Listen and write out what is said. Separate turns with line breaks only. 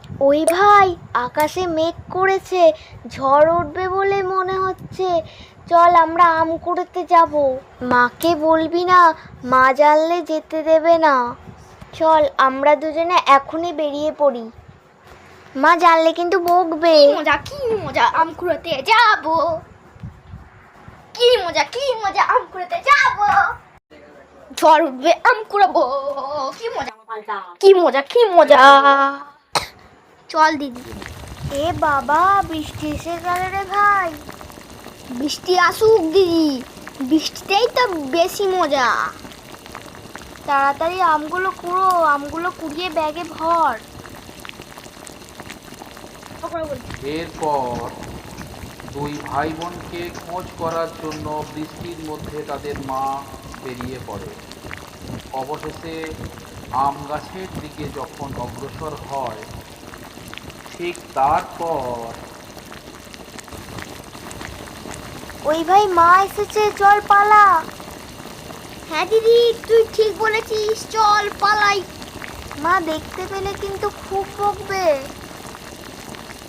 ওই ভাই, আকাশে মেঘ করেছে, ঝড় উঠবে বলে মনে হচ্ছে। চল আমরা আম কুড়োতে যাব। মাকে বলবি না, মা জানলে যেতে দেবে না। চল আমরা দুজনে এখনই বেরিয়ে পড়ি, মা জানলে কিন্তু বকবে।
কি মজা আম কুড়াতে যাব, কি মজা আম কুড়াতে যাব। ঝড় উঠবে আম কুড়াবো, কি মজা। চল দিদি।
এ বাবা, বৃষ্টি এসে গেল রে ভাই।
বৃষ্টি আসুক দিদি, বৃষ্টিতেই তো বেশি মজা।
তাড়াতাড়ি আমগুলো কুড়ো, আমগুলো কুড়িয়ে ব্যাগে ভর।
এরপর দুই ভাই বোনকে খোঁজ করার জন্য বৃষ্টির মধ্যে তাদের মা বেরিয়ে পড়ে। অবশেষে আম গাছের দিকে যখন অগ্রসর হয়, ঠিক তারপর
ওই ভাই, মা এসেছে, চল পালা।
হ্যাঁ দিদি, তুই ঠিক বলেছিস, চল পালাই।
মা দেখতে পেলে কিন্তু খুব বকবে।